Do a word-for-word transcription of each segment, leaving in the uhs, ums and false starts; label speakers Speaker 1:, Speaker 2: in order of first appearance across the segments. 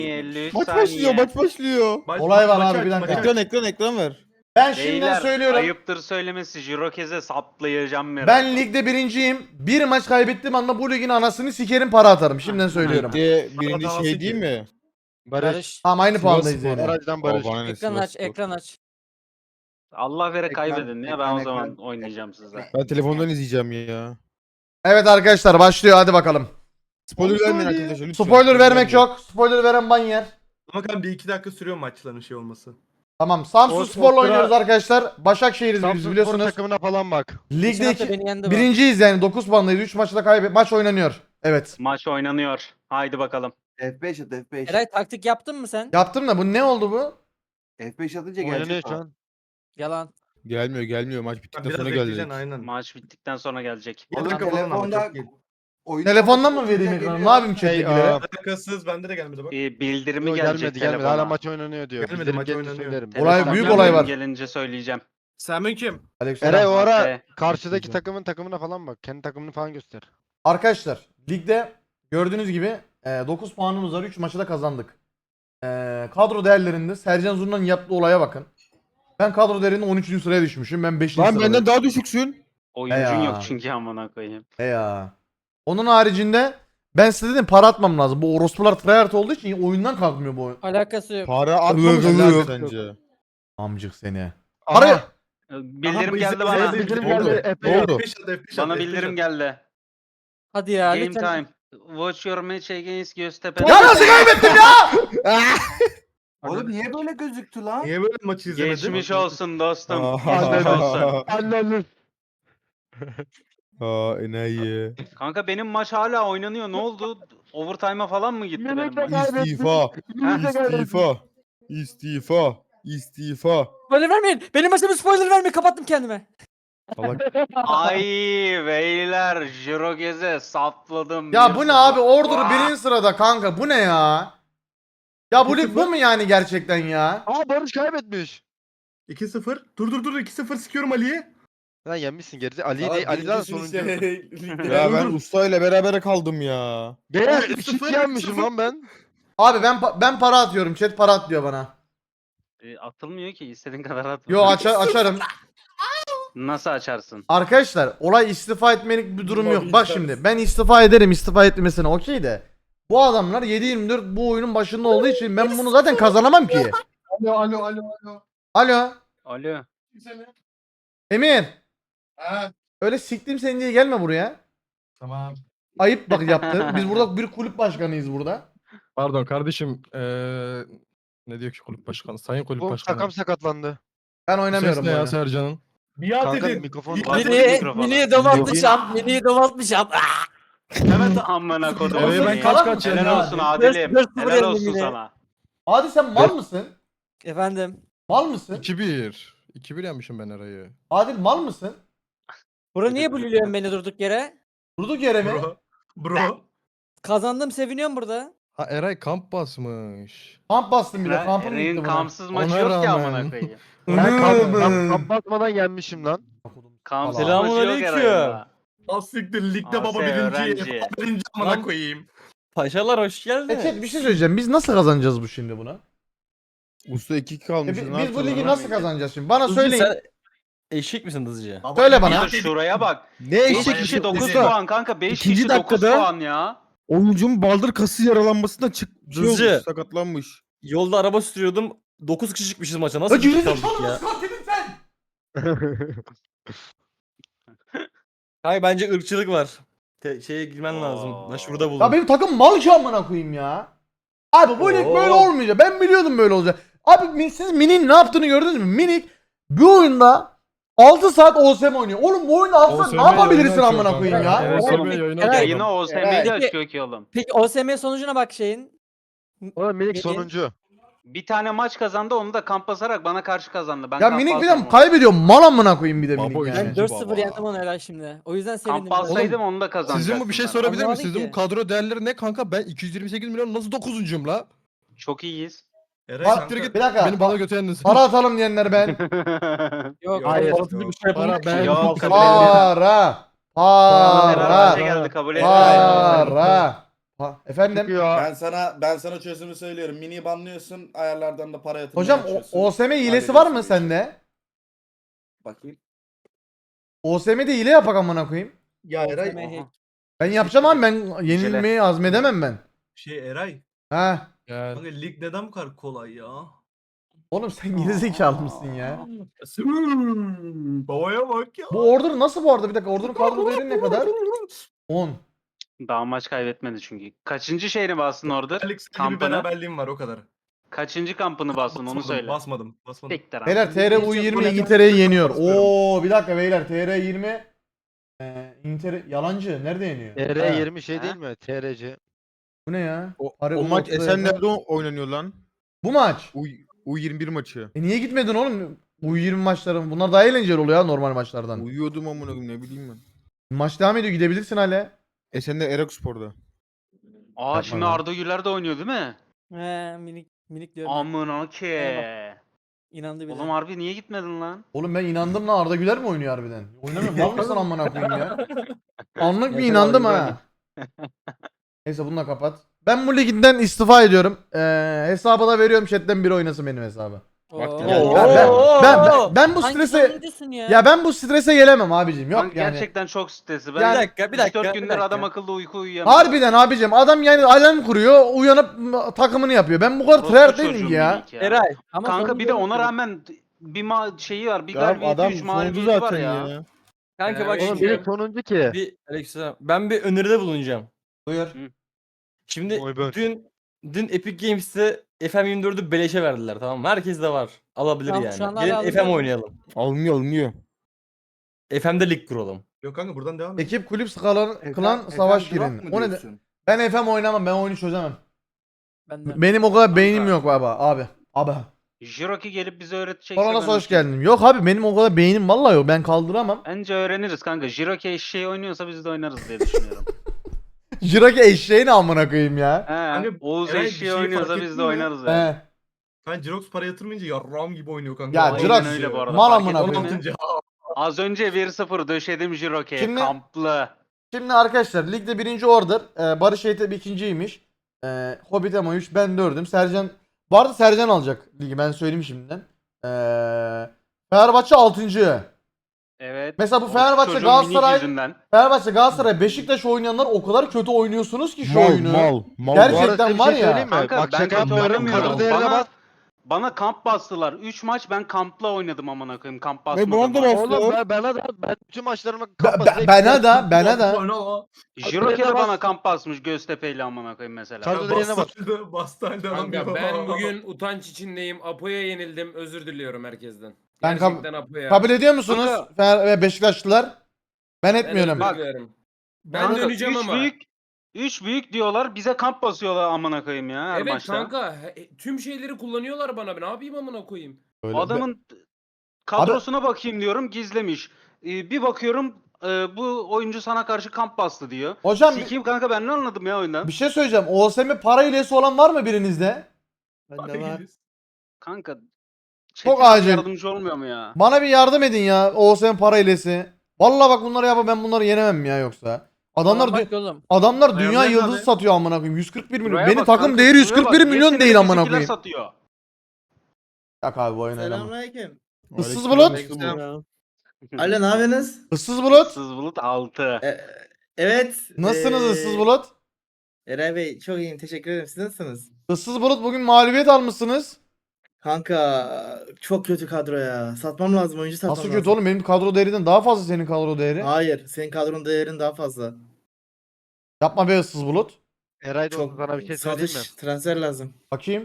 Speaker 1: elli üç
Speaker 2: Maç
Speaker 1: saniye.
Speaker 2: başlıyor, maç başlıyor.
Speaker 3: Baş-
Speaker 4: Olay var
Speaker 3: maçı
Speaker 4: abi,
Speaker 3: aç,
Speaker 4: bir dakika.
Speaker 3: maçı aç.
Speaker 2: Ekran ekran ekran ver.
Speaker 4: Ben şimdiden
Speaker 1: Beyler
Speaker 4: söylüyorum.
Speaker 1: ayıptır söylemesi Jirokez'e saplayacağım merak.
Speaker 4: Ben ligde birinciyim. Bir maç kaybettiğim anda bu ligin anasını sikerim, para atarım. Şimdiden söylüyorum.
Speaker 2: Ligde birinci
Speaker 3: Davası
Speaker 2: şey değil
Speaker 3: ki.
Speaker 2: mi?
Speaker 5: Barış.
Speaker 4: Tamam, aynı
Speaker 2: Sivas
Speaker 4: puandayız
Speaker 2: Spor.
Speaker 4: yani.
Speaker 5: Barajdan Barış.
Speaker 2: O bana ne,
Speaker 5: Ekran
Speaker 2: Sivas
Speaker 5: aç,
Speaker 2: Spor.
Speaker 5: ekran aç.
Speaker 1: Allah vere
Speaker 6: Ekran-
Speaker 1: kaybedin ya ben
Speaker 6: ekran-
Speaker 1: o zaman
Speaker 6: ekran-
Speaker 1: oynayacağım size.
Speaker 2: Ben telefondan izleyeceğim ya.
Speaker 4: Evet arkadaşlar, başlıyor, hadi bakalım.
Speaker 2: Spoiler vermeyin arkadaşlar lütfen.
Speaker 4: Spoiler vermek yok. Spoiler veren ban yer.
Speaker 3: Ama kan bir iki dakika sürüyor maçların şey olması.
Speaker 4: Tamam, Samsun
Speaker 5: O-
Speaker 4: Spor'la
Speaker 5: o-
Speaker 4: oynuyoruz arkadaşlar. Başakşehir'iz biz,
Speaker 5: Samsun Spor
Speaker 4: biliyorsunuz.
Speaker 5: takımına falan bak.
Speaker 4: Ligde
Speaker 5: Geçen hafta
Speaker 4: iki,
Speaker 5: beni yendi bu.
Speaker 4: birinciyiz yani, dokuz puandayız. üç maçta kaybet. Maç oynanıyor. Evet.
Speaker 1: Maç oynanıyor. Haydi bakalım.
Speaker 6: F beş at F beş.
Speaker 5: Eray taktik yaptın mı sen?
Speaker 4: Yaptım da bu ne oldu bu?
Speaker 6: F beş atınca
Speaker 5: Oynanıyor
Speaker 6: gelecek
Speaker 5: şu
Speaker 6: o.
Speaker 5: an. Yalan.
Speaker 2: Gelmiyor gelmiyor maç
Speaker 3: Ha,
Speaker 2: bittikten
Speaker 3: biraz
Speaker 2: sonra
Speaker 3: bekleyeceksin
Speaker 2: gelecek.
Speaker 3: aynen.
Speaker 1: Maç bittikten sonra gelecek.
Speaker 3: Bir
Speaker 6: Oğlum
Speaker 3: dakika falan ama
Speaker 6: telefonda
Speaker 3: çok değil.
Speaker 6: oyunu
Speaker 4: Telefondan mı
Speaker 6: kapatınca
Speaker 4: vereyim ekranı?
Speaker 6: geliyor.
Speaker 4: Ne yapayım
Speaker 5: Hey,
Speaker 4: chat'tekilere?
Speaker 5: aa.
Speaker 3: Alakasız bende de gelmedi bak.
Speaker 1: Ee, bildirimi
Speaker 5: Yok,
Speaker 1: gelecek
Speaker 5: gelmedi gelmedi.
Speaker 1: telefona.
Speaker 5: Hala maç oynanıyor diyor.
Speaker 3: Gelmedi,
Speaker 5: Bildirim
Speaker 3: maç
Speaker 5: gelince
Speaker 3: oynanıyor.
Speaker 5: söylerim.
Speaker 4: Olay-
Speaker 1: Telefona
Speaker 4: büyük
Speaker 1: bildirim
Speaker 4: olay var.
Speaker 1: Gelince söyleyeceğim.
Speaker 3: Selamünaleyküm.
Speaker 4: Aleykümselam.
Speaker 5: Eray o ara
Speaker 1: Ee,
Speaker 5: karşıdaki
Speaker 4: Güzel.
Speaker 5: takımın takımına falan bak. Kendi takımını falan göster.
Speaker 4: Arkadaşlar, ligde gördüğünüz gibi e, dokuz puanımız var. üç maçı da kazandık. E, kadro değerlerinde Sercan Zurna'nın yaptığı olaya bakın. Ben kadro değerinde on üçüncü sıraya düşmüşüm. Ben beşinci
Speaker 2: Lan
Speaker 4: sıradayım.
Speaker 2: benden daha düşüksün.
Speaker 1: Oyuncun
Speaker 4: Ya.
Speaker 1: yok çünkü amına koyayım.
Speaker 4: He ya. Onun haricinde ben size dedim, para atmam lazım. Bu orospular tryhard olduğu için oyundan kalkmıyor bu oyun.
Speaker 5: Alakası yok.
Speaker 2: Para atmamış
Speaker 4: Ilık
Speaker 2: lan
Speaker 4: ılık.
Speaker 2: sence.
Speaker 4: Amcık seni.
Speaker 5: Aha.
Speaker 4: Para
Speaker 1: Ee, Bildirim
Speaker 3: bu
Speaker 1: geldi
Speaker 3: izin-
Speaker 1: bana.
Speaker 3: izin-
Speaker 5: Bildirim
Speaker 2: Ne oldu?
Speaker 5: geldi.
Speaker 2: Ne
Speaker 5: Efe.
Speaker 2: oldu?
Speaker 3: F beş at, F beş at,
Speaker 1: Bana
Speaker 3: F beş
Speaker 1: bildirim
Speaker 3: at.
Speaker 1: geldi.
Speaker 5: Hadi ya
Speaker 1: Game
Speaker 5: lütfen.
Speaker 1: time. Watch your match against Göztepe.
Speaker 4: Ya nasıl kaybettim ya?
Speaker 6: Oğlum niye böyle gözüktü lan?
Speaker 3: Niye böyle maçı izlemedin?
Speaker 1: Geçmiş olsun dostum.
Speaker 2: Aa.
Speaker 1: Geçmiş olsun.
Speaker 5: Anneniz.
Speaker 2: Aa enayi.
Speaker 1: Kanka benim maç hala oynanıyor. Ne oldu? Overtime'a falan mı gitti benim
Speaker 5: Yemekle
Speaker 1: maç?
Speaker 5: kaybettik.
Speaker 2: İstifa.
Speaker 5: Yemekle kaybettik.
Speaker 2: İstifa. İstifa. İstifa.
Speaker 5: Spoiler vermeyin. Benim maçıma spoiler vermeyin. Kapattım kendime.
Speaker 2: Salak.
Speaker 1: Ay beyler Jirogez'e sapladım.
Speaker 4: Ya
Speaker 1: bir
Speaker 4: bu ne
Speaker 1: sıfır.
Speaker 4: abi? Order birinci sırada kanka. Bu ne ya? Ya bu lig bu mu yani gerçekten ya?
Speaker 5: Aa Barış kaybetmiş.
Speaker 3: iki sıfır. Dur dur dur iki sıfır sıkıyorum Ali'ye.
Speaker 5: Lan yenmişsin gerisi. Ali değil. Ali zaten sonuncu.
Speaker 2: Ya ben ustayla berabere kaldım ya.
Speaker 5: Beyler
Speaker 3: Oğlum,
Speaker 5: üç
Speaker 3: sıfır,
Speaker 5: iki yenmişim
Speaker 3: sıfır.
Speaker 5: lan ben.
Speaker 4: Abi ben pa- ben para atıyorum. Chat para at diyor bana.
Speaker 1: E, atılmıyor ki istediğin kadar at.
Speaker 4: Yo aça- açarım.
Speaker 1: Nasıl açarsın?
Speaker 4: Arkadaşlar olay istifa etmelik bir durum yok. Bak şimdi ben istifa ederim, istifa etmesine okey de. Bu adamlar yedi yirmi dört bu oyunun başında olduğu için ben bunu zaten kazanamam ki.
Speaker 6: Alo alo alo alo.
Speaker 4: Alo
Speaker 1: Alo.
Speaker 4: Emir.
Speaker 6: Ha
Speaker 4: Öyle siktim seni diye gelme buraya.
Speaker 6: tamam.
Speaker 4: Ayıp bak yaptı. Biz burada bir kulüp başkanıyız burada.
Speaker 7: Pardon kardeşim. Eee ne diyor ki kulüp başkanı? Sayın kulüp
Speaker 5: Bu
Speaker 7: başkanı.
Speaker 5: takım sakatlandı.
Speaker 4: Ben
Speaker 7: Bu
Speaker 4: oynamıyorum
Speaker 7: ses
Speaker 4: bu
Speaker 7: ne ya
Speaker 4: oyunu.
Speaker 7: Sercan'ın?
Speaker 3: Biat
Speaker 5: Kanka
Speaker 3: edin.
Speaker 5: mikrofon.
Speaker 3: Biat
Speaker 1: Hadi
Speaker 3: edin.
Speaker 1: mikrofonu.
Speaker 5: Mini'yi domaltmışam. Mini'yi domaltmışam.
Speaker 1: Evet amına kodum.
Speaker 7: Eve ben
Speaker 1: seni.
Speaker 7: kaç kaç
Speaker 1: Helal
Speaker 7: ya?
Speaker 1: olsun Adil'im.
Speaker 5: Dört- dört sıfır
Speaker 1: Helal
Speaker 5: yendim
Speaker 1: olsun
Speaker 5: yine.
Speaker 1: sana.
Speaker 4: Hadi sen mal mısın?
Speaker 5: Efendim.
Speaker 4: Mal mısın?
Speaker 7: iki bir. iki bir yenmişim ben Eray'ı.
Speaker 4: Adil mal mısın?
Speaker 5: Bura niye buluyorsun beni durduk yere?
Speaker 4: Durduk yere mi?
Speaker 3: Bro. Bro.
Speaker 5: Kazandım seviniyorum burada.
Speaker 7: Ha Eray kamp basmış.
Speaker 4: Kamp bastım bir de,
Speaker 1: Eren-
Speaker 4: kampım
Speaker 1: Eren'in
Speaker 4: gitti buna.
Speaker 1: kampsız maçı
Speaker 7: Ona
Speaker 1: yok ki
Speaker 7: rağmen.
Speaker 1: amına koyayım.
Speaker 5: Ben kamp, kamp, kamp basmadan yenmişim lan.
Speaker 1: Kampsız
Speaker 4: Selamun
Speaker 1: maçı yok Eren'in.
Speaker 3: Asiktir ligde
Speaker 1: Aa,
Speaker 3: baba
Speaker 1: sen
Speaker 3: birinci.
Speaker 1: öğrenci.
Speaker 3: Birinci amına
Speaker 7: Lan-
Speaker 3: koyayım.
Speaker 8: Paşalar hoş
Speaker 4: E
Speaker 8: geldin.
Speaker 4: chat bir şey söyleyeceğim. Biz nasıl kazanacağız bu şimdi buna?
Speaker 2: Usta iki iki
Speaker 4: E,
Speaker 2: kalmış.
Speaker 4: bi-
Speaker 2: ne
Speaker 4: biz bu
Speaker 2: yapacağız
Speaker 4: ligi
Speaker 2: lan?
Speaker 4: nasıl kazanacağız şimdi? Bana
Speaker 8: Hızlı
Speaker 4: söyleyin.
Speaker 8: Sen eşek misin hızlıca?
Speaker 4: Söyle bana.
Speaker 1: Ya şuraya bak.
Speaker 2: Ne
Speaker 1: beş
Speaker 2: eşek
Speaker 1: kişi
Speaker 2: işte
Speaker 1: dokuz
Speaker 2: usta.
Speaker 1: puan kanka. beş
Speaker 2: İkinci
Speaker 1: kişi dokuz
Speaker 2: dakikada-
Speaker 1: puan ya.
Speaker 2: Oyuncunun baldır kası yaralanmasından çık şey
Speaker 8: Hızlı.
Speaker 2: olmuş, sakatlanmış.
Speaker 8: Yolda araba sürüyordum. dokuz kişi çıkmışız maça. Nasıl
Speaker 4: Ya
Speaker 8: bir
Speaker 4: gerizekalı
Speaker 8: kaldık ya?
Speaker 4: mısın katilin sen?
Speaker 8: Hayır bence ırkçılık var. Te- şeye girmen lazım.
Speaker 1: Oo.
Speaker 8: Başvuruda bulun.
Speaker 4: Ya benim takım mal ki amına koyayım ya. Abi bu lig
Speaker 8: Oo.
Speaker 4: böyle olmayacak. Ben biliyordum böyle olacak. Abi min- siz Minik'in ne yaptığını gördünüz mü? Minik bu oyunda altı saat O S M oynuyor. Oğlum bu oyunda altı saat
Speaker 7: O S
Speaker 4: ne
Speaker 7: M
Speaker 4: yapabilirsin
Speaker 7: yayını
Speaker 4: amına
Speaker 7: açıyor
Speaker 4: koyayım
Speaker 7: kanka.
Speaker 4: ya?
Speaker 7: O S M
Speaker 5: Evet.
Speaker 7: yayını
Speaker 5: Evet.
Speaker 7: açıyor
Speaker 1: Yine
Speaker 7: adam.
Speaker 1: o S M'yi
Speaker 5: Peki-
Speaker 1: açıyor ki oğlum.
Speaker 5: Peki O S M sonucuna bak şeyin. Oğlum minik Minik. sonuncu.
Speaker 1: Bir tane maç kazandı onu da kamp basarak bana karşı kazandı. Ben
Speaker 4: Ya
Speaker 1: kamp
Speaker 4: Minik bir
Speaker 1: basmadım
Speaker 4: de
Speaker 1: ona.
Speaker 4: kaybediyor. Mal amına koyayım bir de
Speaker 7: Baba
Speaker 4: Minik
Speaker 7: oyuncu.
Speaker 4: yani.
Speaker 5: Ben
Speaker 7: Bence
Speaker 5: dört sıfır
Speaker 7: baba.
Speaker 5: yendim onu herhalde şimdi. O yüzden sevindim.
Speaker 1: Kamp alsaydım onu da kazanacaktım.
Speaker 7: Sizin bu bir şey
Speaker 1: ben.
Speaker 7: sorabilir miyim?
Speaker 5: Anlamadım
Speaker 7: Sizin
Speaker 5: ki.
Speaker 7: bu kadro değerleri ne kanka? Ben iki yüz yirmi sekiz milyon nasıl dokuzuncuyum la?
Speaker 1: Çok iyiyiz.
Speaker 3: Eray
Speaker 4: Bak-
Speaker 3: kanka.
Speaker 7: git.
Speaker 4: Bir dakika.
Speaker 7: Beni bana götürdün.
Speaker 4: Para atalım diyenler ben.
Speaker 5: Yok.
Speaker 7: Hayır.
Speaker 5: Hayır.
Speaker 8: bir şey yapalım.
Speaker 7: Para ben.
Speaker 1: Yok,
Speaker 7: kabul
Speaker 1: kabul
Speaker 7: ederim.
Speaker 4: Para.
Speaker 1: Bana
Speaker 4: Para.
Speaker 1: beraber geldi kabul et.
Speaker 4: Para. Ha, efendim.
Speaker 2: Ben sana ben sana çözümü söylüyorum. Mini banlıyorsun, ayarlardan da para yatırmaya
Speaker 4: Hocam o,
Speaker 2: açıyorsun.
Speaker 4: O S M hilesi var mı
Speaker 2: Hallediyorsun bu işi.
Speaker 4: sende?
Speaker 2: Bakayım.
Speaker 4: O S M'de hile yapak amına koyayım.
Speaker 3: Ya Eray.
Speaker 5: Eray.
Speaker 4: Ben yapacağım abi, ben yenilmeyi azmedemem ben.
Speaker 3: Şey Eray.
Speaker 4: Ha.
Speaker 7: Gel.
Speaker 3: Kanka lig neden bu kadar kolay ya?
Speaker 4: Oğlum sen gerizekalı mısın ya?
Speaker 3: Babaya bak ya.
Speaker 4: Bu order nasıl bu arada? Bir dakika, order'ın kadro değeri ne kadar? on.
Speaker 1: Daha maç kaybetmedi çünkü. Kaçıncı şeyini bastın orada?
Speaker 3: Alex gibi
Speaker 1: Kampını.
Speaker 3: beraberliğim var o kadar.
Speaker 1: Kaçıncı kampını bastın onu
Speaker 3: Basmadım,
Speaker 1: söyle.
Speaker 3: Basmadım. Basmadım.
Speaker 1: Tekrar.
Speaker 4: Beyler T R U yirmi İngiltere'yi yeniyor. Oo bir dakika beyler, T R yirmi ee, İngiltere yalancı nerede yeniyor?
Speaker 9: T R
Speaker 4: Ha,
Speaker 9: yirmi şey
Speaker 1: Ha?
Speaker 9: değil mi? T R C.
Speaker 4: Bu ne ya?
Speaker 2: O,
Speaker 4: Harbi
Speaker 2: o
Speaker 4: bu
Speaker 2: maç
Speaker 4: noktada
Speaker 2: Esenler'de
Speaker 4: ya.
Speaker 2: oynanıyor lan.
Speaker 4: Bu maç.
Speaker 2: U, U yirmi bir maçı.
Speaker 4: E niye gitmedin oğlum? U yirmi maçları bunlar daha eğlenceli oluyor ya normal maçlardan.
Speaker 2: Uyuyordum amına koyayım, ne bileyim ben.
Speaker 4: Maç devam ediyor, gidebilirsin hala.
Speaker 2: Esenler Erakspor'da.
Speaker 1: Aa
Speaker 4: Yapma
Speaker 1: şimdi
Speaker 4: lan.
Speaker 1: Arda Güler de oynuyor değil mi?
Speaker 5: He minik minik diyorum. ben.
Speaker 1: Amına ke.
Speaker 5: İnandı bile.
Speaker 1: Oğlum harbi niye gitmedin lan?
Speaker 4: Oğlum ben inandım lan, Arda Güler mi oynuyor harbiden? Oynamıyor. Mal mısın amına koyayım ya? Anlık bir
Speaker 8: Yaşar
Speaker 4: inandım
Speaker 8: abi,
Speaker 4: ha. Neyse bunu da kapat. Ben bu liginden istifa ediyorum. Ee, hesabı da veriyorum, chatten biri oynasın benim hesabı.
Speaker 5: Oo.
Speaker 2: Vakti
Speaker 4: Ya
Speaker 2: geldi.
Speaker 4: ben, ben, ben, ben bu
Speaker 5: Hangi
Speaker 4: strese
Speaker 5: sonuncusun ya?
Speaker 4: ya ben bu strese gelemem abicim. Yok
Speaker 1: Kanka
Speaker 4: yani.
Speaker 1: gerçekten çok stresli. Ben
Speaker 4: Yani-
Speaker 8: Bir dakika bir dakika.
Speaker 1: üç dört
Speaker 8: bir
Speaker 1: gündür
Speaker 8: dakika.
Speaker 1: adam akıllı uyku uyuyamıyor.
Speaker 4: Harbiden abicim, adam yani alarm kuruyor, uyanıp m- takımını yapıyor. Ben bu kadar
Speaker 1: Orospu
Speaker 4: tryhard değilim
Speaker 1: çocuğum
Speaker 4: ki ya.
Speaker 1: minik ya.
Speaker 8: Eray.
Speaker 5: Ama
Speaker 1: Kanka bir de
Speaker 5: sonuncu
Speaker 1: ona
Speaker 5: oldu.
Speaker 1: rağmen bir ma şeyi var. Bir
Speaker 2: Ya
Speaker 1: galibiyeti
Speaker 2: adam
Speaker 1: üç
Speaker 2: sonuncu
Speaker 1: mağlubiyeti var
Speaker 2: zaten
Speaker 1: ya.
Speaker 2: ya.
Speaker 8: Kanka bak
Speaker 9: Oğlum
Speaker 8: şimdi
Speaker 9: benim sonuncu ki.
Speaker 8: bir Alexa ben bir öneride bulunacağım.
Speaker 4: Buyur.
Speaker 8: Şimdi
Speaker 9: Oy be.
Speaker 8: dün dün Epic Games'te F M yirmi dördü beleşe verdiler, tamam mı? Herkes de var. Alabilir
Speaker 5: Tamam,
Speaker 8: yani.
Speaker 5: şu anda
Speaker 8: Gelin
Speaker 5: hala
Speaker 8: F M
Speaker 5: alabiliyor.
Speaker 8: oynayalım.
Speaker 2: Almıyor almıyor.
Speaker 8: F M'de lig kuralım.
Speaker 3: Yok kanka buradan devam et.
Speaker 4: Ekip kulüp skalan
Speaker 2: Efendim-
Speaker 4: klan savaş
Speaker 2: efendim drop
Speaker 4: girin.
Speaker 2: mu
Speaker 4: O ne? de-
Speaker 2: diyorsun?
Speaker 4: Ben F M oynamam, ben oyunu çözemem.
Speaker 5: Ben de.
Speaker 4: Benim o kadar beynim
Speaker 1: Kanka.
Speaker 4: yok baba abi. Abi.
Speaker 1: Jiroki gelip bize öğretecekse
Speaker 4: Sonra
Speaker 1: ben
Speaker 4: nasıl hoş
Speaker 1: okeyim.
Speaker 4: geldin. Yok abi benim o kadar beynim vallahi yok. Ben kaldıramam.
Speaker 1: Bence öğreniriz kanka. Jiroki eşeği oynuyorsa biz de oynarız diye düşünüyorum.
Speaker 4: Jiraki eşeğini amına koyayım ya.
Speaker 1: He,
Speaker 3: Hani
Speaker 1: Oğuz
Speaker 3: Eray bir
Speaker 1: eşeği
Speaker 3: şeyi
Speaker 1: oynuyorsa
Speaker 3: fark
Speaker 1: biz
Speaker 3: ettin
Speaker 1: de
Speaker 3: mi?
Speaker 1: oynarız ya.
Speaker 4: He.
Speaker 3: Ben Jirox para yatırmayınca yarram gibi oynuyor kanka.
Speaker 4: Ya
Speaker 3: Aynen
Speaker 4: Jirox
Speaker 1: öyle bu arada.
Speaker 4: mal
Speaker 1: Fark
Speaker 4: amına
Speaker 1: ettin
Speaker 4: koyayım.
Speaker 1: mi?
Speaker 3: altıncı.
Speaker 1: Az önce bir sıfır döşedim Jiroki'ye.
Speaker 4: Şimdi-
Speaker 1: Kamplı.
Speaker 4: Şimdi arkadaşlar ligde birinci order. Ee, Barış Eğitim ikinciymiş. Ee, Hobbit Emo üç, ben dördüm. Sercan, bu arada Sercan alacak ligi, ben söyleyeyim şimdiden. Ee, Fenerbahçe altıncı.
Speaker 1: Evet.
Speaker 4: Mesela bu
Speaker 1: O
Speaker 4: Fenerbahçe,
Speaker 1: çocuğun
Speaker 4: Galatasaray-
Speaker 1: minik yüzünden.
Speaker 4: Fenerbahçe, Galatasaray, Beşiktaş oynayanlar o kadar kötü oynuyorsunuz ki şu
Speaker 2: Mal
Speaker 4: oyunu.
Speaker 2: mal mal.
Speaker 4: Gerçekten
Speaker 9: Bu arada size bir
Speaker 4: var
Speaker 9: şey
Speaker 4: ya.
Speaker 9: söyleyeyim mi?
Speaker 1: Kanka
Speaker 9: Bak
Speaker 1: ben
Speaker 9: şaka
Speaker 1: kötü
Speaker 9: yapmıyorum.
Speaker 1: oynamıyorum.
Speaker 9: Kadro değerine
Speaker 1: Bana,
Speaker 9: bas.
Speaker 1: bana kamp bastılar. üç maç ben kampla oynadım amına koyayım. Kamp
Speaker 2: bana
Speaker 1: basmadım.
Speaker 2: da bas-
Speaker 9: Oğlum ben, bana da ben bütün maçlarıma
Speaker 4: Be-
Speaker 9: kapat.
Speaker 4: be- bana da bana da.
Speaker 1: Jiroki de
Speaker 9: Bas-
Speaker 1: bana kamp basmış Göztepe'yle amına koyayım mesela.
Speaker 9: Kadro değerine bas.
Speaker 3: Bastı, bastı halde
Speaker 10: Kanka
Speaker 3: alamıyor.
Speaker 10: ben bugün utanç içindeyim. Apo'ya yenildim. Özür diliyorum herkesten.
Speaker 4: Ben kab-
Speaker 10: Gerçekten Apo'ya.
Speaker 4: Kabul ediyor musunuz
Speaker 1: Kanka-
Speaker 4: Fener ve Beşiktaşlılar? Ben
Speaker 10: Ben
Speaker 4: etmiyorum.
Speaker 10: özür
Speaker 1: Bak.
Speaker 10: diliyorum. Ben
Speaker 1: Kanka,
Speaker 10: döneceğim
Speaker 1: üç
Speaker 10: ama.
Speaker 1: Büyük, üç büyük diyorlar bize kamp basıyorlar amına koyayım ya her
Speaker 10: Evet
Speaker 1: maçta.
Speaker 10: kanka he- tüm şeyleri kullanıyorlar bana. Ne yapayım amına koyayım?
Speaker 4: Öyle.
Speaker 1: Adamın kadrosuna bakayım diyorum gizlemiş. Ee, bir bakıyorum e, bu oyuncu sana karşı kamp bastı diyor.
Speaker 4: Hocam bir,
Speaker 1: Sikiyim kanka ben ne anladım ya oyundan?
Speaker 4: bir şey söyleyeceğim. O S M para hilesi olan var mı birinizde?
Speaker 3: Bende var.
Speaker 1: Kanka
Speaker 4: Çok
Speaker 1: Çetin abi
Speaker 4: acil.
Speaker 1: yardımcı olmuyor mu ya?
Speaker 4: Bana bir yardım edin ya. O S M para hilesi. Vallahi bak bunları yapıp ben bunları yenemem ya yoksa. Adamlar
Speaker 5: Tamam,
Speaker 4: dü-
Speaker 5: bak oğlum.
Speaker 4: adamlar dünya
Speaker 1: Ayarlayın
Speaker 4: yıldızı
Speaker 1: abi.
Speaker 4: satıyor amına koyayım. yüz kırk bir milyon.
Speaker 1: Buraya
Speaker 4: Benim
Speaker 1: bak
Speaker 4: takım
Speaker 1: kanka,
Speaker 4: değeri
Speaker 1: şuraya
Speaker 4: yüz kırk
Speaker 1: bak.
Speaker 4: bir
Speaker 1: Niye
Speaker 4: milyon
Speaker 1: seni
Speaker 4: değil amına
Speaker 1: bizimkiler
Speaker 4: koyayım.
Speaker 1: satıyor?
Speaker 4: Yok abi bu oyun oynamam.
Speaker 6: Selamünaleyküm.
Speaker 4: Issız bulut.
Speaker 6: Alo ne yapıyorsunuz?
Speaker 4: Issız bulut.
Speaker 1: Sız bulut altı.
Speaker 6: E, evet.
Speaker 4: Nasılsınız
Speaker 6: eee,
Speaker 4: ıssız bulut?
Speaker 6: Eray Bey çok iyiyim teşekkür ederim. Siz nasılsınız?
Speaker 4: Issız bulut bugün mağlubiyet almışsınız.
Speaker 6: Kanka çok kötü kadro ya. Satmam lazım oyuncu satmam
Speaker 4: Nasıl
Speaker 6: lazım.
Speaker 4: kötü oğlum, benim kadro değerinden daha fazla senin kadro değeri.
Speaker 6: Hayır senin kadronun değerin daha fazla.
Speaker 4: Yapma be ıssız bulut.
Speaker 9: Eray da
Speaker 6: Çok
Speaker 9: sana bir şey söyleyeyim mi?
Speaker 6: satış transfer lazım.
Speaker 4: Bakayım.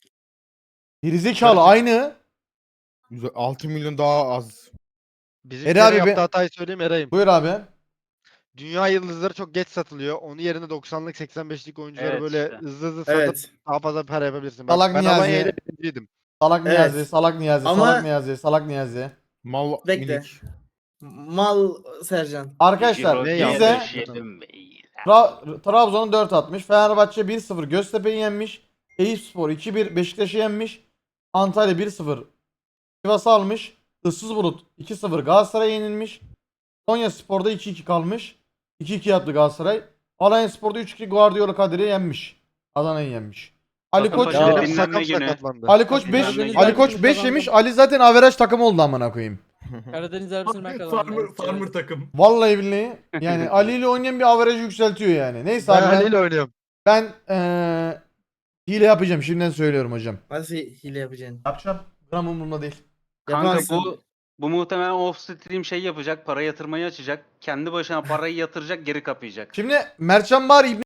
Speaker 4: Gerizekalı aynı.
Speaker 2: Güzel, altı milyon daha az.
Speaker 9: Bizim
Speaker 4: Eray
Speaker 9: Eray
Speaker 4: abi
Speaker 9: yaptığı
Speaker 4: be-
Speaker 9: hatayı söyleyeyim Eray'ım.
Speaker 4: Buyur abi.
Speaker 9: Dünya yıldızları çok geç satılıyor. Onun yerine doksanlık seksen beşlik oyuncuları
Speaker 1: Evet
Speaker 9: böyle
Speaker 1: işte.
Speaker 9: hızlı hızlı satıp
Speaker 6: Evet.
Speaker 9: daha fazla para yapabilirsin. Bak,
Speaker 4: Salak
Speaker 9: ben
Speaker 4: Niyazi.
Speaker 9: Alanya'yla birinciydim.
Speaker 4: Salak
Speaker 6: Evet.
Speaker 4: Niyazi, salak Niyazi,
Speaker 6: Ama-
Speaker 4: salak Niyazi, salak Niyazi.
Speaker 2: Mal
Speaker 6: Bekle.
Speaker 2: minik.
Speaker 6: Mal Sercan.
Speaker 4: Arkadaşlar
Speaker 1: Jiroki
Speaker 9: ne
Speaker 4: bize
Speaker 9: yaptı?
Speaker 1: döşedim beyler.
Speaker 4: Tra- Trabzon'u dört atmış. Fenerbahçe bir sıfır Göztepe'yi yenmiş. Eyüpspor iki bir Beşiktaş'ı yenmiş. Antalya bir sıfır Sivas'ı almış. Issız Bulut iki sıfır Galatasaray'a yenilmiş. Konyaspor'da iki iki kalmış. iki iki yaptı Galatasaray. Alanya Spor'da üç iki Guardiola Kadir'i yenmiş. Adana'yı yenmiş. Ali
Speaker 1: Bakın
Speaker 4: Koç
Speaker 1: başına
Speaker 9: Ya,
Speaker 1: dinlenme
Speaker 9: sakın
Speaker 1: günü.
Speaker 9: sakatlandı.
Speaker 4: Ali Koç beş
Speaker 1: Dinlenme günü.
Speaker 4: Ali Koç beş
Speaker 5: Kazandım.
Speaker 4: yemiş. Ali zaten averaj takım oldu amına koyayım.
Speaker 5: Karadeniz derbisini ben kazandım.
Speaker 3: Farmer,
Speaker 5: Evet,
Speaker 3: farmer
Speaker 5: evet.
Speaker 3: takım.
Speaker 4: Vallahi billahi. Yani Ali ile oynayan bir averajı yükseltiyor yani. Neyse
Speaker 9: Ben
Speaker 4: abi ben,
Speaker 9: Ali ile oynuyorum.
Speaker 4: ben eee, hile yapacağım. Şimdiden söylüyorum hocam.
Speaker 6: Nasıl hile yapacaksın?
Speaker 4: Yapacağım. Gram umurumda değil.
Speaker 1: Kanka
Speaker 6: Yapamazsın.
Speaker 1: bu bu muhtemelen off stream şey yapacak, para yatırmayı açacak. Kendi başına parayı yatıracak, geri kapayacak.
Speaker 4: Şimdi Mertcan Bahar İbni